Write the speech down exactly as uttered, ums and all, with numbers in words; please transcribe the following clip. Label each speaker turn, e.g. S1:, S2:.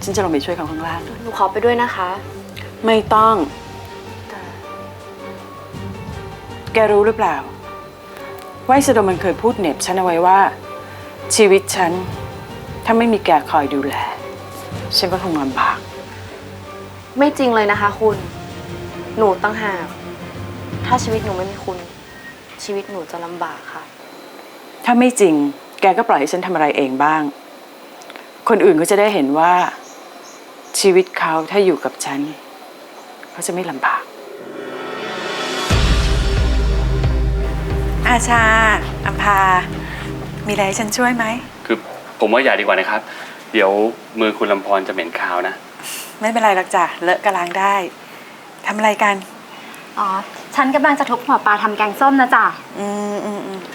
S1: ฉันจะลงไปช่วยเขาข้างล่าง
S2: หนูขอไปด้วยนะคะ
S1: ไม่ต้อง
S2: แต่
S1: แกรู้หรือเปล่าว่าไอ้สะดมมันเคยพูดเหน็บฉันเอาไว้ว่า ชีวิตฉันถ้าไม่มีแกคอยดูแลฉันก็คงลำบาก
S2: ไม่จริงเลยนะคะคุณ หนูตั้งหากถ้าชีวิตหนูไม่มีคุณ ชีวิตหนูจะลำบากค่ะ
S1: ถ้าไม่จริงแกก็ปล่อยให้ฉันทำอะไรเองบ้าง คนอื่นก็จะได้เห็นว่าชีวิตเขาถ้าอยู่กับฉันเขาจะไม่ลำบากอาชาอัมพา มีอะไรให้ฉันช่วยไหม
S3: คือผมว่าอย่าดีกว่านะครับ เดี๋ยวมือคุณลำพรจะเหม็นคาวนะ
S1: ไม่เป็นไรหรอกจ้ะเลอะกระล้างได้ทำอะไรกัน
S4: อ๋อ ฉันกำลังจะทุบหัวปลาทำแกงส้มนะจ๊ะ
S1: อืมอืมอืม